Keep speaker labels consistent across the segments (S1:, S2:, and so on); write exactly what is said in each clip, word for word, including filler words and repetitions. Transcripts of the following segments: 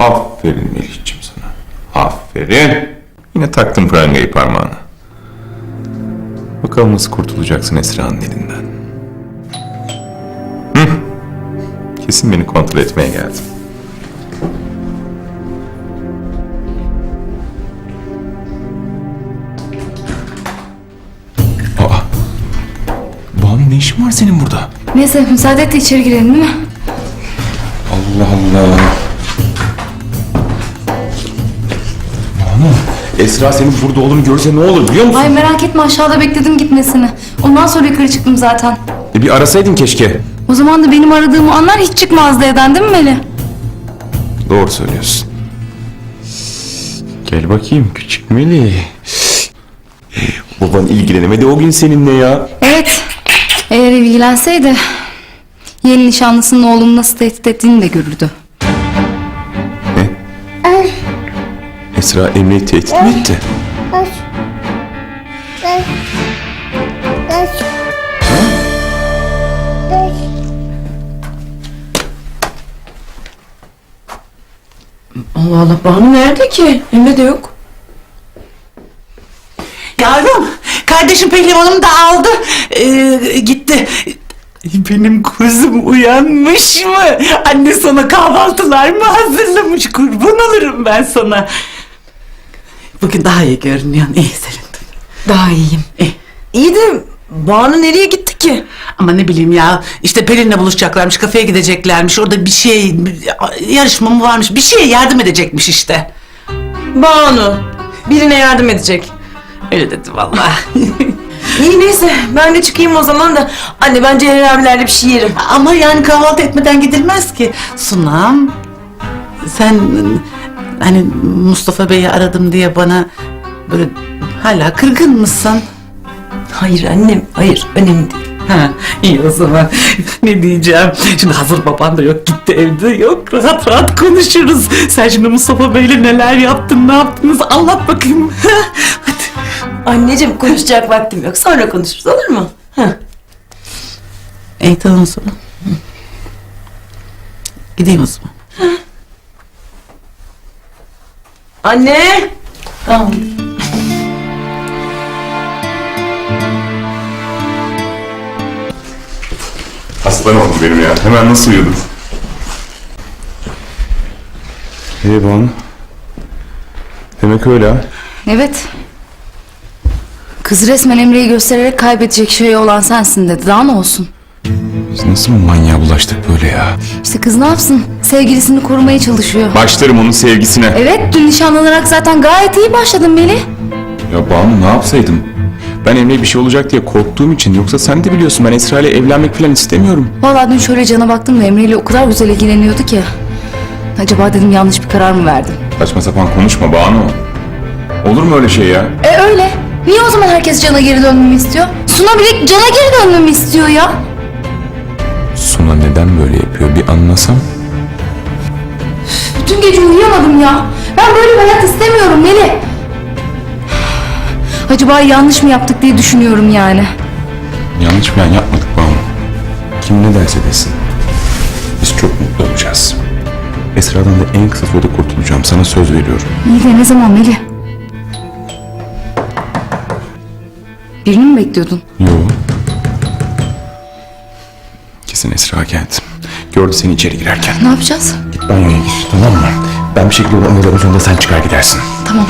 S1: Aferin Melih'ciğim sana. Aferin. Yine taktın prangayı parmağına. Bakalım nasıl kurtulacaksın Esra'nın elinden. Hı? Kesin beni kontrol etmeye geldin. Aa! Banu, ne işin var senin burada?
S2: Neyse müsaade et de içeri girelim değil mi?
S1: Allah Allah. Banu, Esra senin burada olduğunu görse ne olur biliyor musun?
S2: Ay merak etme, aşağıda bekledim gitmesini. Ondan sonra yukarı çıktım zaten.
S1: E bir arasaydın keşke.
S2: O zaman da benim aradığımı anlar, hiç çıkmazdı evden değil mi Melih?
S1: Doğru söylüyorsun. Gel bakayım küçük Melih. Baban ilgilenemedi o gün seninle ya.
S2: Evet. Eğer ilgilenseydi yeni nişanlısının oğlumu nasıl tehdit ettiğini de görürdü.
S1: Ne? Esra Emre'yi tehdit mi etti?
S3: Allah Allah, Banu nerede ki? Emre de yok.
S4: Yavrum, kardeşim pehlivanım da aldı, ee, gitti. Benim kuzum uyanmış mı? Anne sana kahvaltılar mı hazırlamış? Kurban olurum ben sana. Bugün daha iyi görünüyorsun, iyi sevindim.
S3: Daha iyiyim.
S4: İyi.
S3: İyi de Banu nereye gitti ki?
S4: Ama ne bileyim ya, işte Pelin'le buluşacaklarmış, kafeye gideceklermiş, orada bir şey, yarışma mı varmış, bir şeye yardım edecekmiş işte.
S3: Banu birine yardım edecek.
S4: Öyle dedi vallahi.
S3: İyi neyse, ben de çıkayım o zaman da. Anne, ben Celal abilerle bir şey yerim.
S4: Ama yani kahvaltı etmeden gidilmez ki. Sunam, sen hani Mustafa Bey'i aradım diye bana böyle hala kırgın mısın?
S3: Hayır annem, hayır, önemli değil.
S4: Ha, iyi o zaman. Ne diyeceğim? Şimdi hazır baban da yok, gitti, evde yok. Rahat rahat konuşuruz. Sen şimdi Mustafa Bey'le neler yaptın, ne yaptınız anlat bakayım. Hadi.
S3: Anneciğim, konuşacak vaktim yok. Sonra konuşuruz, olur mu? Heh.
S4: İyi tamam o zaman. Gideyim o zaman.
S3: Anne! Tamam.
S1: Aslan oğlum benim ya. Hemen nasıl uyudun? Hey Banu. Demek öyle ha.
S2: Evet. Kız resmen Emre'yi göstererek kaybedecek şey olan sensin dedi. Daha ne olsun?
S1: Biz nasıl manyağa bulaştık böyle ya?
S2: İşte kız ne yapsın? Sevgilisini korumaya çalışıyor.
S1: Başlarım onun sevgisine.
S2: Evet, dün nişanlanarak zaten gayet iyi başladın Melih.
S1: Ya Banu, ne yapsaydım? Ben Emre'ye bir şey olacak diye korktuğum için, yoksa sen de biliyorsun ben Esra ile evlenmek falan istemiyorum.
S2: Vallahi dün şöyle cana baktım da Emre ile o kadar güzel ilgileniyordu ki. Acaba dedim yanlış bir karar mı verdim?
S1: Saçma sapan konuşma Banu. Olur mu öyle şey ya?
S2: E öyle. Niye o zaman herkes cana geri dönmemi istiyor? Suna bile cana geri dönmemi istiyor ya.
S1: Suna neden böyle yapıyor bir anlasam.
S2: Bütün gece uyuyamadım ya. Ben böyle bir hayat istemiyorum Melih. Acaba yanlış mı yaptık diye düşünüyorum yani.
S1: Yanlış falan yapmadık Banu. Kim ne derse desin. Biz çok mutlu olacağız. Esra'dan da en kısa sürede kurtulacağım. Sana söz veriyorum.
S2: İyi de ne zaman Melih? Birini mi bekliyordun?
S1: Yo. Kesin Esra geldi. Gördü seni içeri girerken.
S2: Ne yapacağız?
S1: Git banyoya gir, tamam mı? Ben bir şekilde oyalarım, sonunda sen çıkar gidersin.
S2: Tamam.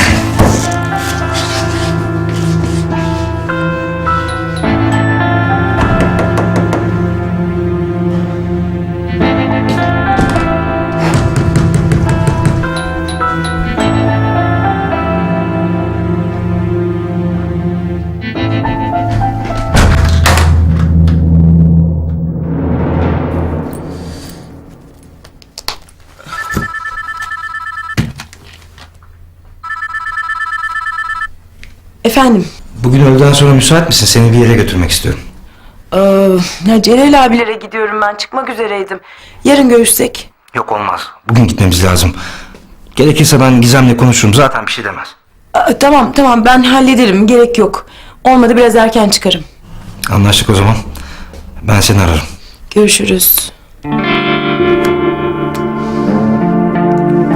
S3: Efendim?
S5: Bugün öğleden sonra müsait misin? Seni bir yere götürmek istiyorum.
S3: Ee, ya Celal abilere gidiyorum ben. Çıkmak üzereydim. Yarın görüşsek?
S5: Yok olmaz. Bugün gitmemiz lazım. Gerekirse ben Gizem'le konuşurum. Zaten bir şey demez.
S3: Aa, tamam tamam, ben hallederim. Gerek yok. Olmadı biraz erken çıkarım.
S5: Anlaştık o zaman. Ben seni ararım.
S3: Görüşürüz.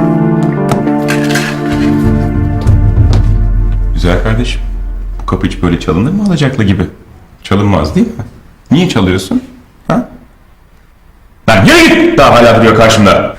S1: Güzel kardeşim. Bu kapı hiç böyle çalınır mı alacaklı gibi? Çalınmaz değil mi? Niye çalıyorsun? Ha? Lan yürü git! Daha hala duruyor karşımda.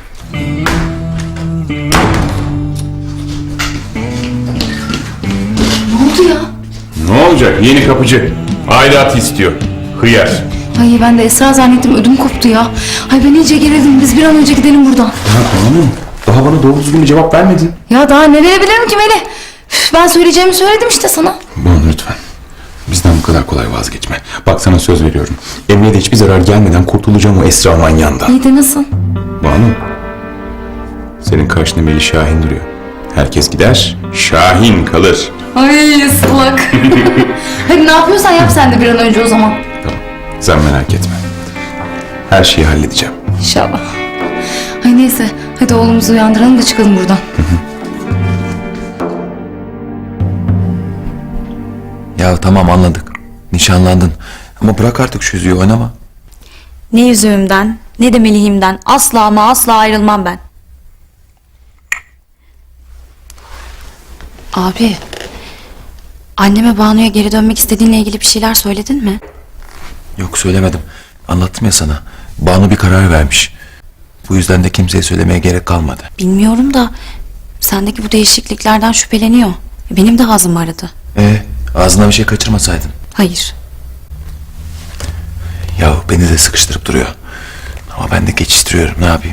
S2: Ne oldu ya?
S1: Ne olacak? Yeni kapıcı. Aidatı istiyor. Hıyar.
S2: Ay ben de Esra zannettim, ödüm koptu ya. Ay ben iyice gerildim, biz bir an önce gidelim buradan.
S1: Ya tamam. Daha bana doğru düzgün bir cevap vermedin.
S2: Ya daha ne verebilirim ki Melih? Üf, ben söyleyeceğimi söyledim işte sana.
S1: Banu lütfen. Bizden bu kadar kolay vazgeçme. Bak sana söz veriyorum. Emre'ye de hiçbir zarar gelmeden kurtulacağım o Esra manyağından.
S2: İyi de nasıl?
S1: Banu. Senin karşında Melih Şahin duruyor. Herkes gider, Şahin kalır.
S2: Ay ıslak. Hadi ne yapıyorsan yap sen de bir an önce o zaman.
S1: Tamam. Sen merak etme. Her şeyi halledeceğim.
S2: İnşallah. Ay neyse, hadi oğlumuzu uyandıralım da çıkalım buradan.
S6: Ya tamam anladık. Nişanlandın. Ama bırak artık şu yüzüğü oynama.
S7: Ne yüzüğümden ne de Melih'imden asla ama asla ayrılmam ben. Abi, anneme Banu'ya geri dönmek istediğinle ilgili bir şeyler söyledin mi?
S6: Yok söylemedim. Anlattım ya sana. Banu bir karar vermiş. Bu yüzden de kimseye söylemeye gerek kalmadı.
S7: Bilmiyorum da sendeki bu değişikliklerden şüpheleniyor. Benim de ağzım aradı.
S6: E ağzına bir şey kaçırmasaydın.
S7: Hayır.
S6: Ya beni de sıkıştırıp duruyor. Ama ben de geçiştiriyorum, ne yapayım?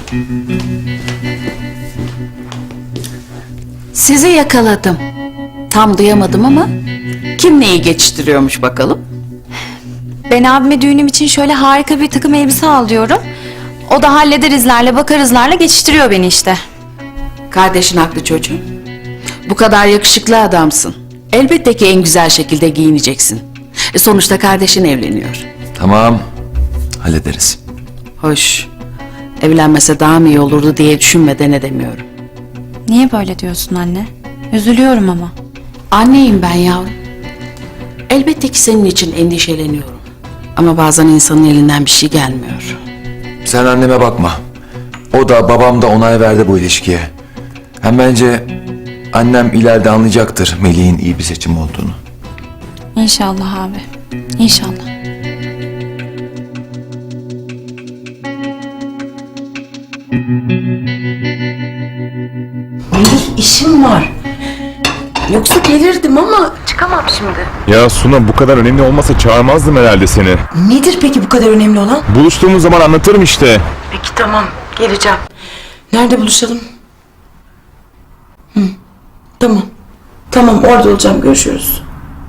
S8: Sizi yakaladım. Tam duyamadım ama kim neyi geçiştiriyormuş bakalım?
S7: Ben abime düğünüm için şöyle harika bir takım elbise al diyorum. O da hallederizlerle bakarizlerle geçiştiriyor beni işte.
S8: Kardeşin haklı çocuğum. Bu kadar yakışıklı adamsın. Elbette ki en güzel şekilde giyineceksin. E, sonuçta kardeşin evleniyor.
S6: Tamam. Hallederiz.
S8: Hoş. Evlenmese daha mı iyi olurdu diye düşünmeden edemiyorum.
S7: Niye böyle diyorsun anne? Üzülüyorum ama.
S8: Anneyim ben yavrum. Elbette ki senin için endişeleniyorum. Ama bazen insanın elinden bir şey gelmiyor.
S6: Sen anneme bakma. O da babam da onay verdi bu ilişkiye. Hem bence annem ileride anlayacaktır Melih'in iyi bir seçim olduğunu.
S7: İnşallah abi. İnşallah.
S3: Melih işim var. Yoksa gelirdim ama çıkamam şimdi.
S1: Ya Suna bu kadar önemli olmasa çağırmazdım herhalde seni.
S3: Nedir peki bu kadar önemli olan?
S1: Buluştuğumuz zaman anlatırım işte.
S3: Peki tamam, geleceğim. Nerede buluşalım? Hı, tamam. Tamam, orada olacağım, görüşürüz.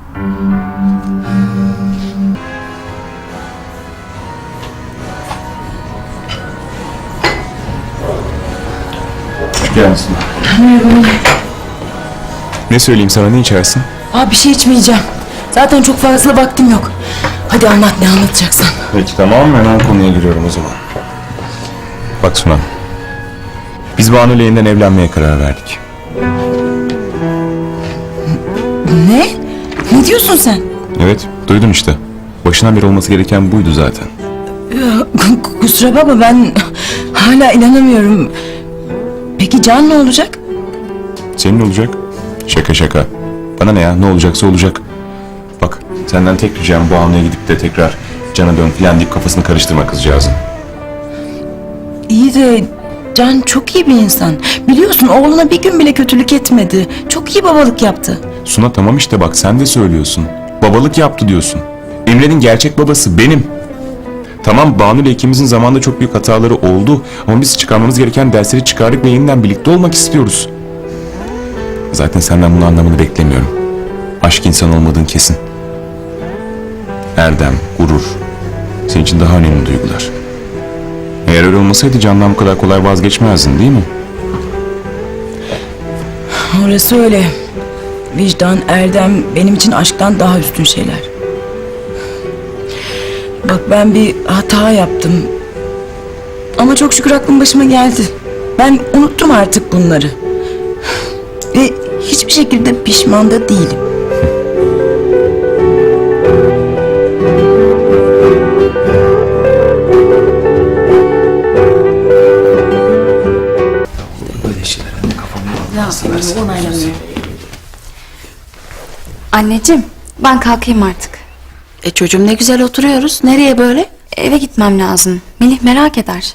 S1: Hoş geldin Suna. Ne söyleyeyim sana, ne içersin?
S3: Aa, bir şey içmeyeceğim. Zaten çok fazla vaktim yok. Hadi anlat, ne anlatacaksan.
S1: Peki tamam, hemen konuya giriyorum o zaman. Bak Suna. Biz Banu ile yeniden evlenmeye karar verdik.
S3: Ne? Ne diyorsun sen?
S1: Evet, duydun işte. Başından beri olması gereken buydu zaten.
S3: Ya, kusura bakma, ben hala inanamıyorum. Peki Can ne olacak?
S1: Senin olacak. Şaka şaka. Bana ne ya, ne olacaksa olacak. Bak, senden tek ricam Banu'ya gidip de tekrar Can'a dön filan deyip kafasını karıştırma kızcağızın.
S3: İyi de Can çok iyi bir insan. Biliyorsun, oğluna bir gün bile kötülük etmedi. Çok iyi babalık yaptı.
S1: Suna tamam işte bak, sen de söylüyorsun. Babalık yaptı diyorsun. Emre'nin gerçek babası benim. Tamam, Banu ile ikimizin zamanında çok büyük hataları oldu. Ama biz çıkarmamız gereken dersleri çıkardık ve yeniden birlikte olmak istiyoruz. Zaten senden bunu anlamanı beklemiyorum. Aşk insan olmadığın kesin. Erdem, gurur. Senin için daha önemli duygular. Eğer öyle olmasaydı Can'dan bu kadar kolay vazgeçmezdin değil mi?
S3: Orası öyle. Vicdan, erdem benim için aşktan daha üstün şeyler. Bak, ben bir hata yaptım. Ama çok şükür aklım başıma geldi. Ben unuttum artık bunları. Ve hiçbir şekilde pişman da değilim.
S6: Böyle şeyler anne kafamı
S8: Ne yapayım, onaylamıyor.
S7: Anneciğim ben kalkayım artık.
S8: E çocuğum ne güzel oturuyoruz. Nereye böyle?
S7: Eve gitmem lazım. Melih merak eder.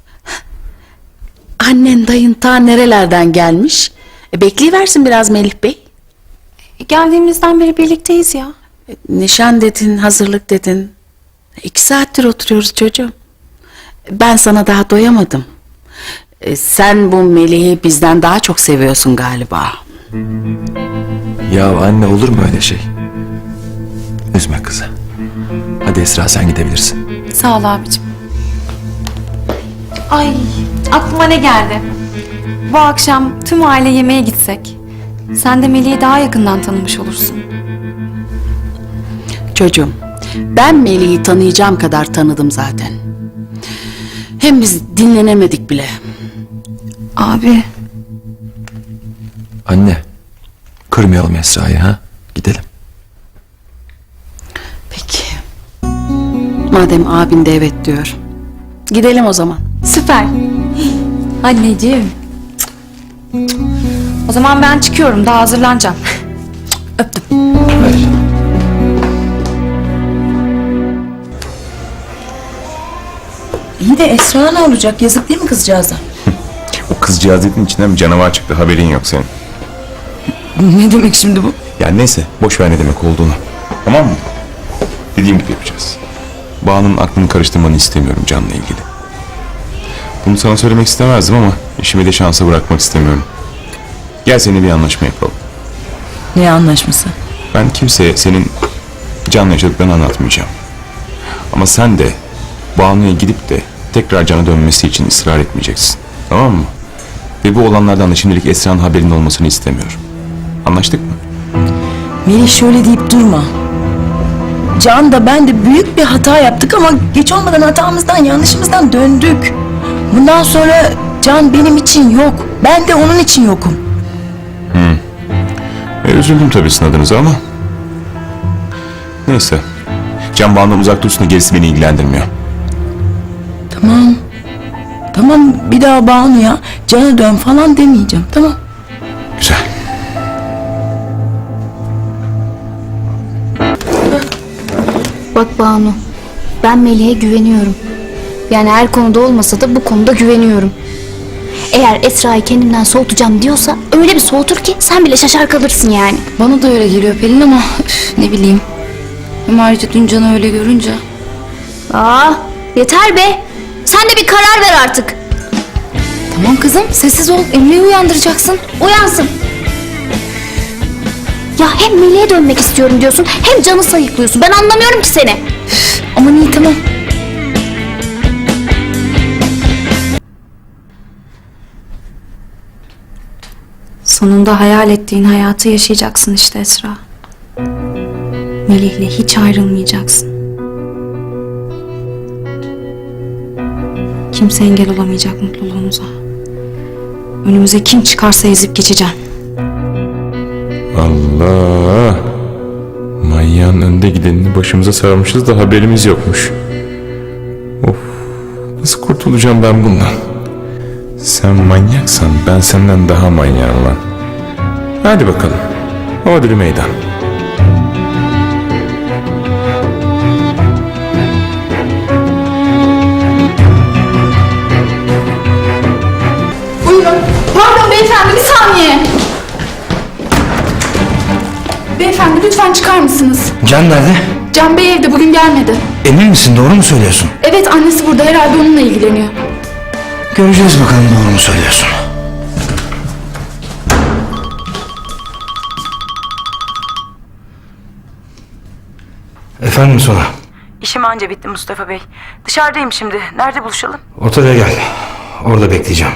S8: Annen dayın ta nerelerden gelmiş? E bekleyiversin biraz Melih Bey.
S7: Geldiğimizden beri birlikteyiz ya.
S8: E, nişan dedin, hazırlık dedin. İki saattir oturuyoruz çocuğum. Ben sana daha doyamadım. E, sen bu Melih'i bizden daha çok seviyorsun galiba.
S6: Ya anne olur mu öyle şey? Üzme kızı. Hadi Esra sen gidebilirsin.
S7: Sağ ol abicim. Ay aklıma ne geldi? Bu akşam tüm aile yemeğe gitsek. Sen de Melih'i daha yakından tanımış olursun.
S8: Çocuğum, ben Melih'i tanıyacağım kadar tanıdım zaten. Hem biz dinlenemedik bile.
S7: Abi
S6: Anne, kırmayalım Esra'yı ha? Gidelim.
S8: Peki. Madem abin de evet diyor. Gidelim o zaman.
S7: süper. Anneciğim. O zaman ben çıkıyorum daha hazırlanacağım. Öptüm.
S6: Hayır.
S3: İyi de Esra ne olacak? Yazık değil mi kızcağıza?
S1: O kızcağız dediğin içinden bir canavar çıktı, haberin yok senin.
S3: Ne demek şimdi bu?
S1: Ya neyse, boş ver ne demek olduğunu. Tamam mı? Dediğim gibi yapacağız. Banu'nun aklını karıştırmanı istemiyorum Can'la ilgili. Bunu sana söylemek istemezdim ama işimi de şansa bırakmak istemiyorum. Gel seninle bir anlaşma yapalım.
S3: Ne anlaşması?
S1: Ben kimseye senin Can'la yaşadıklarını anlatmayacağım. Ama sen de Banu'ya gidip de tekrar Can'a dönmesi için ısrar etmeyeceksin. Tamam mı? Ve bu olanlardan da şimdilik Esra'nın haberinin olmasını istemiyorum. Anlaştık mı?
S3: Melih şöyle deyip durma. Can da ben de büyük bir hata yaptık ama geç olmadan hatamızdan, yanlışımızdan döndük. Bundan sonra Can benim için yok. Ben de onun için yokum.
S1: E, üzüldüm tabii sizin adınıza ama... Neyse. Can Banu'dan uzak dursun da gerisi beni ilgilendirmiyor.
S3: Tamam. Tamam bir daha Banu'ya Can'a dön falan demeyeceğim. Tamam.
S1: Güzel.
S2: Bak Banu, ben Melih'e güveniyorum. Yani her konuda olmasa da bu konuda güveniyorum. Eğer Esra'yı kendimden soğutacağım diyorsa öyle bir soğutur ki sen bile şaşar kalırsın yani. Bana da öyle geliyor Pelin ama üf, ne bileyim. Hem ayrıca dün Can'ı öyle görünce.
S7: Aa yeter be. Sen de bir karar ver artık.
S2: Tamam kızım sessiz ol, Emre'yi uyandıracaksın.
S7: Uyansın. Ya hem Melih'e dönmek istiyorum diyorsun hem Can'ı sayıklıyorsun. Ben anlamıyorum ki seni.
S2: Aman iyi tamam.
S7: Sonunda hayal ettiğin hayatı yaşayacaksın işte Esra. Melih'le hiç ayrılmayacaksın. Kimse engel olamayacak mutluluğumuza. Önümüze kim çıkarsa ezip geçeceğim.
S1: Allah! Manyağın önde gidenini başımıza sarmışız da haberimiz yokmuş. Of! Nasıl kurtulacağım ben bundan? Sen manyaksan ben senden daha manyağım lan. Hadi bakalım. Hodri meydan.
S2: Buyurun. Pardon beyefendi bir saniye. Beyefendi lütfen çıkar mısınız?
S5: Can nerede?
S2: Can Bey evde bugün gelmedi.
S5: Emin misin, doğru mu söylüyorsun?
S2: Evet annesi burada herhalde onunla ilgileniyor.
S5: Göreceğiz bakalım doğru mu söylüyorsun. Efendim Sona.
S3: İşim anca bitti Mustafa Bey. Dışarıdayım şimdi. Nerede buluşalım?
S5: Otele gel. Orada bekleyeceğim.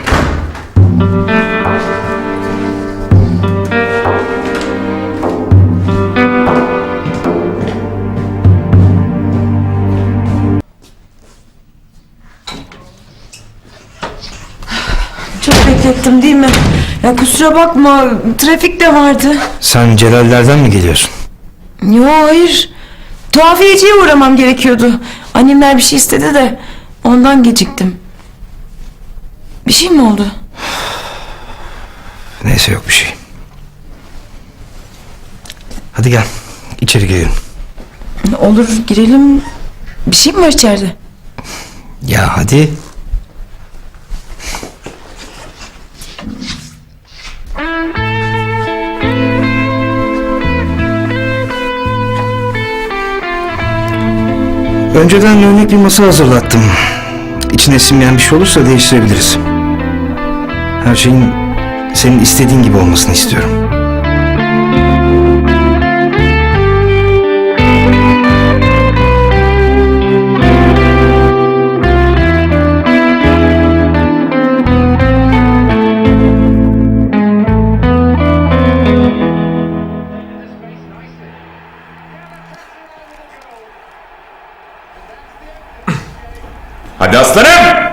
S3: Çok beklettim değil mi? Ya kusura bakma. Trafik de vardı.
S5: Sen Celallerden mi geliyorsun?
S3: Yo hayır. Tuhafiyeciye uğramam gerekiyordu. Annemler bir şey istedi de ondan geciktim. Bir şey mi oldu?
S5: Neyse yok bir şey. Hadi Hadi gel. İçeri girelim.
S3: Olur girelim. Bir şey mi var içeride?
S5: Ya hadi. Önceden örnek bir masa hazırlattım. İçine sinmeyen bir şey olursa değiştirebiliriz. Her şeyin senin istediğin gibi olmasını istiyorum.
S1: Hadi aslanım!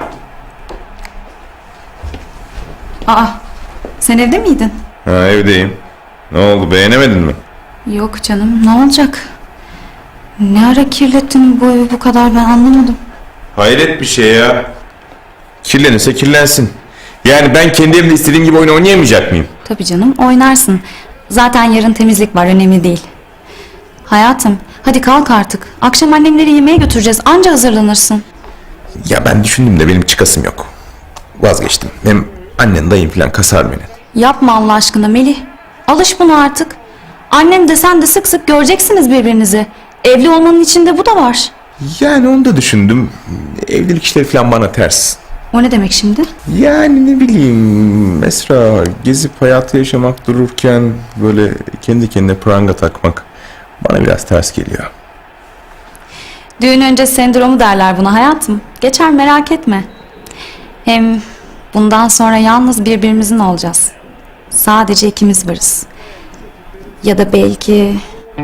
S7: Aa, sen evde miydin?
S1: Ha, evdeyim. Ne oldu, beğenemedin mi?
S7: Yok canım, ne olacak? Ne ara kirlettin bu evi bu kadar, ben anlamadım.
S1: Hayret bir şey ya. Kirlenirse kirlensin. Yani ben kendi evimde istediğim gibi oyun oynayamayacak mıyım?
S7: Tabii canım, oynarsın. Zaten yarın temizlik var, önemli değil. Hayatım, hadi kalk artık. Akşam annemleri yemeğe götüreceğiz, anca hazırlanırsın.
S1: Ya ben düşündüm de benim çıkasım yok. Vazgeçtim. Hem annen dayın falan kasar beni.
S7: Yapma Allah aşkına Melih. Alış buna artık. Annem de sen de sık sık göreceksiniz birbirinizi. Evli olmanın içinde bu da var.
S1: Yani onu da düşündüm. Evlilik işleri falan bana ters.
S7: O ne demek şimdi?
S1: Yani ne bileyim Esra, gezip hayatı yaşamak dururken böyle kendi kendine pranga takmak bana biraz ters geliyor.
S7: Düğün önce sendromu derler buna hayatım. Geçer, merak etme. Hem bundan sonra yalnız birbirimizin olacağız. Sadece ikimiz varız. Ya da belki...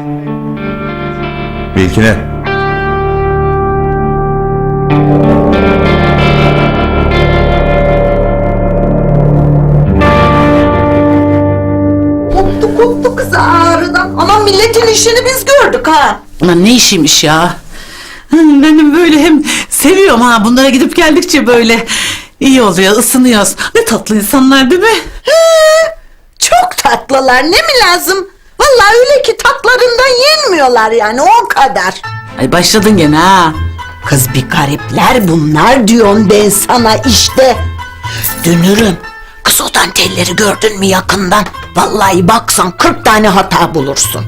S1: Belki ne?
S9: Koptu koptu kız ağrıdan. Aman milletin işini biz gördük ha.
S4: Aman ne işiymiş ya. Benim böyle hem seviyorum ha, bunlara gidip geldikçe böyle iyi oluyor, ısınıyoruz. Ne tatlı insanlar değil mi?
S9: He, çok tatlılar, ne mi lazım? Vallahi öyle ki tatlarından yenmiyorlar yani, o kadar.
S4: Ay başladın gene ha.
S9: Kız bir garipler bunlar diyorum ben sana işte. Dönürüm. Kız o dantelleri gördün mü yakından? Vallahi baksan kırk tane hata bulursun.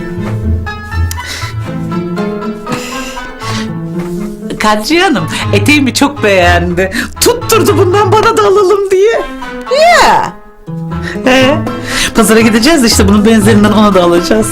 S4: Kadriye Hanım eteğimi çok beğendi. Tutturdu bundan bana da alalım diye.
S9: Ya.
S4: He. Pazara gideceğiz işte, bunun benzerinden ona da alacağız.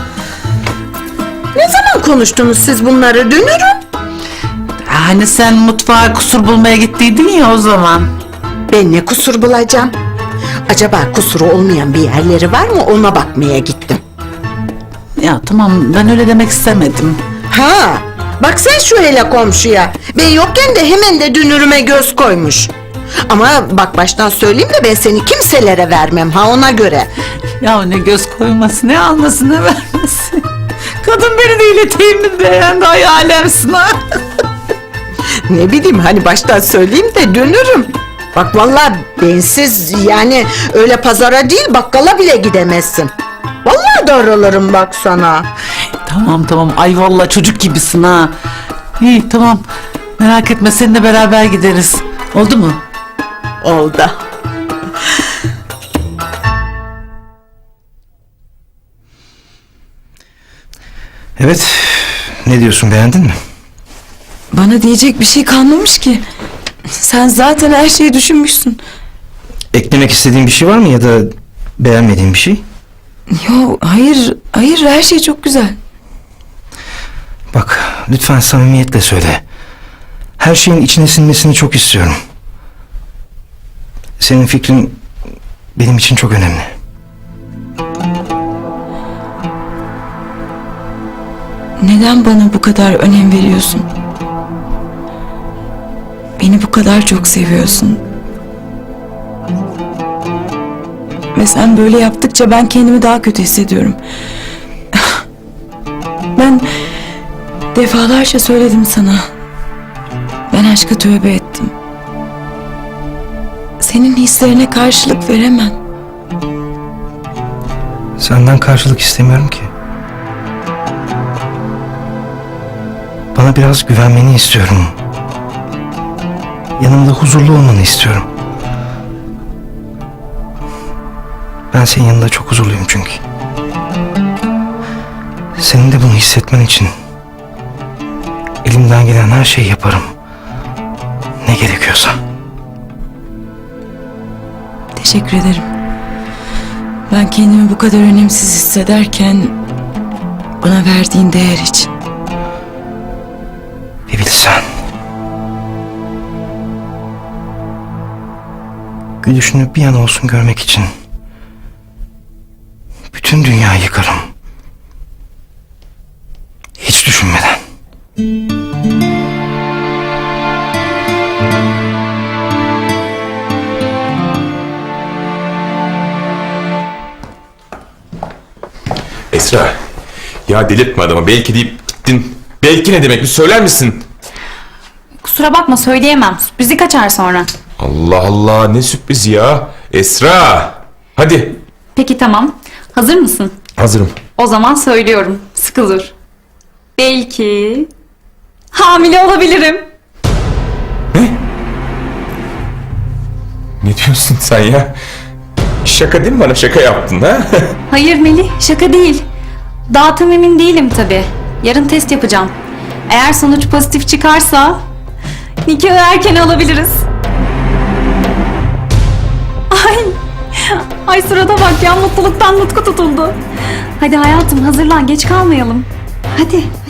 S9: Ne zaman konuştunuz siz bunları Dönürüm?
S4: Hani sen mutfağa kusur bulmaya gittiydin ya o zaman.
S9: Ben ne kusur bulacağım? Acaba kusuru olmayan bir yerleri var mı, ona bakmaya gittim.
S4: Ya tamam, ben öyle demek istemedim.
S9: Ha, bak sen şu hele komşuya. Ben yokken de hemen de Dünürüme göz koymuş. Ama bak baştan söyleyeyim de ben seni kimselere vermem ha, ona göre.
S4: Ya ne göz koyması, ne alması, ne vermesi. Kadın beni değil eteğimi beğendi, ay alemsin ha.
S9: Ne bileyim, hani baştan söyleyeyim de Dönürüm. Bak vallahi bensiz yani öyle pazara değil bakkala bile gidemezsin. Vallahi darılırım bak sana.
S4: Tamam tamam, ay vallahi çocuk gibisin ha. İyi tamam, merak etme, seninle beraber gideriz. Oldu mu?
S9: Oldu.
S5: Evet. Ne diyorsun, beğendin mi?
S3: Bana diyecek bir şey kalmamış ki. Sen zaten her şeyi düşünmüşsün.
S5: Eklemek istediğin bir şey var mı ya da beğenmediğin bir şey?
S3: Yo hayır hayır her şey çok güzel.
S5: Bak lütfen samimiyetle söyle. Her şeyin içine sinmesini çok istiyorum. Senin fikrin benim için çok önemli.
S3: Neden bana bu kadar önem veriyorsun? Beni bu kadar çok seviyorsun. Ve sen böyle yaptıkça ben kendimi daha kötü hissediyorum. Ben defalarca söyledim sana. Ben aşka tövbe ettim. Senin hislerine karşılık veremem.
S5: Senden karşılık istemiyorum ki. Bana biraz güvenmeni istiyorum. Yanımda huzurlu olmanı istiyorum. Ben senin yanında çok huzurluyum çünkü. Senin de bunu hissetmen için elimden gelen her şeyi yaparım. Ne gerekiyorsa.
S3: Teşekkür ederim. Ben kendimi bu kadar önemsiz hissederken bana verdiğin değer için.
S5: Bir bilsen. Gülüşünü bir an olsun görmek için bütün dünyayı yıkarım. Hiç düşünmeden.
S1: Esra, ya delirtme adamı. Belki deyip gittin. Belki ne demek bir söyler misin?
S7: Kusura bakma söyleyemem. Sürprizi kaçar sonra.
S1: Allah Allah, ne sürpriz ya. Esra, hadi.
S7: Peki tamam. Hazır mısın?
S1: Hazırım.
S7: O zaman söylüyorum. Sıkı dur. Belki hamile olabilirim.
S1: Ne diyorsun sen ya? Şaka değil mi, bana şaka yaptın ha?
S7: Hayır Melih, şaka değil. Daha tam emin değilim tabii. Yarın test yapacağım. Eğer sonuç pozitif çıkarsa nikahı erken alabiliriz. Ay, ay surata bak ya, mutluluktan nutku tutuldu. Hadi hayatım hazırlan, geç kalmayalım. Hadi,